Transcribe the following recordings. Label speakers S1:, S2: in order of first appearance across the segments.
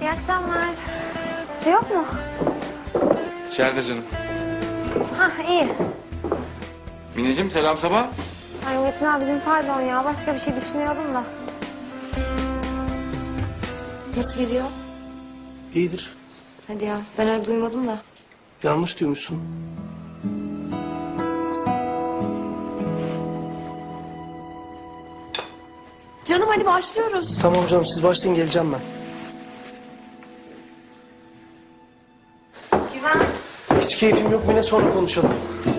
S1: İyi akşamlar. Su yok mu?
S2: İçeride canım.
S1: Hah iyi.
S2: Mineciğim selam sabah.
S1: Ay Metin abicim pardon ya. Başka bir şey düşünüyordum da.
S3: Nasıl gidiyor?
S4: İyidir.
S3: Hadi ya, ben öyle duymadım da.
S4: Yanlış duymuşsun.
S3: Canım hadi başlıyoruz.
S4: Tamam canım, siz başlayın, geleceğim ben.
S1: Güven.
S4: Hiç keyfim yok, yine sonra konuşalım.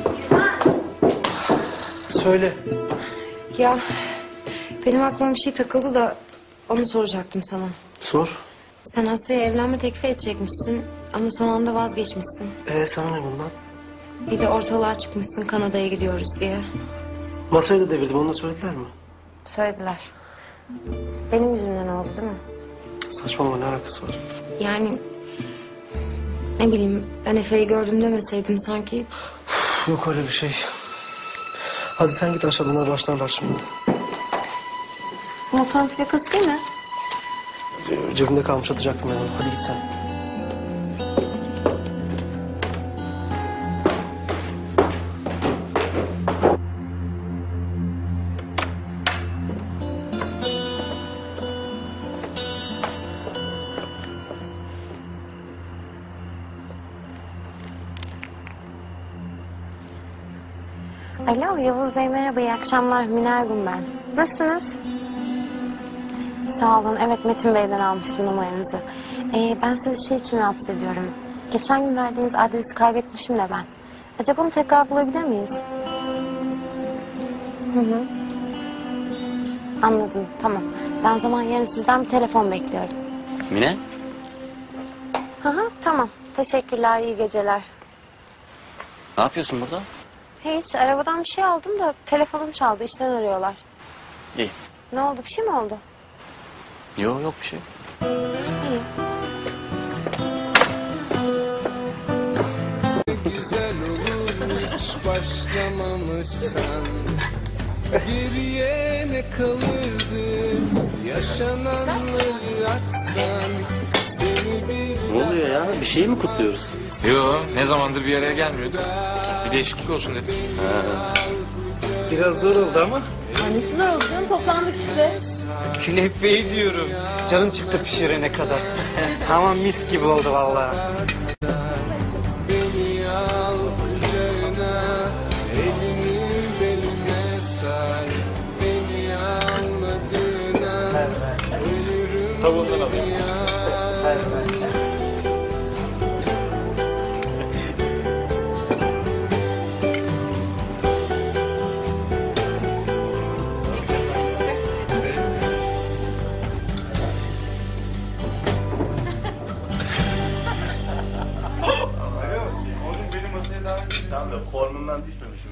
S4: Söyle.
S3: Ya benim aklıma bir şey takıldı da onu soracaktım sana.
S4: Sor.
S3: Sen Asya'ya evlenme teklifi edecekmişsin ama son anda vazgeçmişsin.
S4: Sana ne bundan?
S3: Bir de ortalığa çıkmışsın Kanada'ya gidiyoruz diye.
S4: Masayı da devirdim, onu da söylediler mi?
S1: Söylediler. Benim yüzümden oldu değil mi?
S4: Saçmalama, ne alakası var?
S3: Yani ne bileyim ben Efe'yi gördüm demeseydim sanki.
S4: Yok öyle bir şey. Hadi sen git aşağı, bunlar başlarlar şimdi.
S3: Motorun plakası değil mi?
S4: Cebimde kalmış, atacaktım ben onu. Hadi git sen.
S1: Alo Yavuz Bey merhaba iyi akşamlar. Mine Ergun ben. Nasılsınız? Sağ olun. Evet Metin Bey'den almıştım numaranızı. Ben sizi şey için rahatsız ediyorum. Geçen gün verdiğiniz adresi kaybetmişim de ben. Acaba onu tekrar bulabilir miyiz? Hı. Anladım tamam. Ben o zaman yarın sizden bir telefon bekliyorum.
S5: Mine?
S1: Tamam. Teşekkürler iyi geceler.
S5: Ne yapıyorsun burada?
S1: Hiç arabadan bir şey aldım da telefonum çaldı. İşten arıyorlar.
S5: İyi.
S1: Ne oldu bir şey mi oldu?
S5: Yok bir şey.
S1: İyi.
S6: Güzel olur hiç başlamamışsan. Geriye ne kalırdı yaşananları aksan. Seni bir
S5: Ne oluyor ya? Bir şey mi kutluyoruz?
S2: Yo ne zamandır bir araya gelmiyorduk. Bir değişiklik olsun dedik.
S4: Biraz zor oldu ama.
S7: Annesi zor oldu canım, toplandık işte.
S8: Künefeyi diyorum. Canım çıktı pişirene kadar. Ama mis gibi oldu vallahi.
S6: beni al kucağına, elini beline sar. Beni almadığına ölürüm.
S8: Tavuğundan alayım.
S4: Tamam da formundan düşmemişim.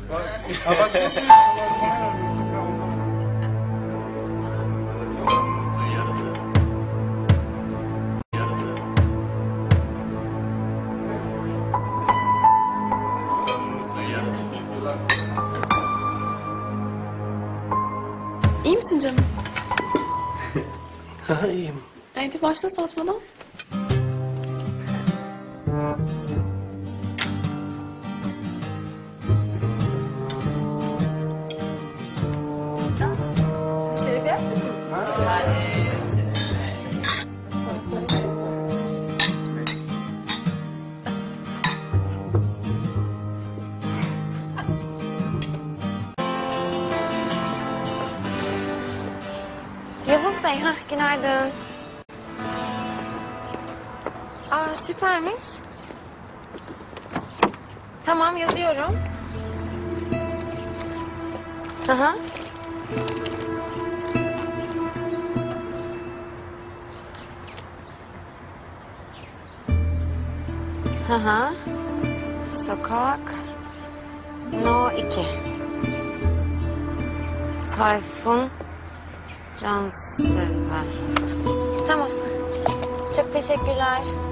S7: İyi misin canım?
S4: İyiyim.
S7: Hadi başla soğutmadan. Şerefe?
S1: Yavuz Bey, günaydın. Süpermiş. Tamam, yazıyorum. Sokak No 2. Tayfun Cansever. Tamam. Çok teşekkürler.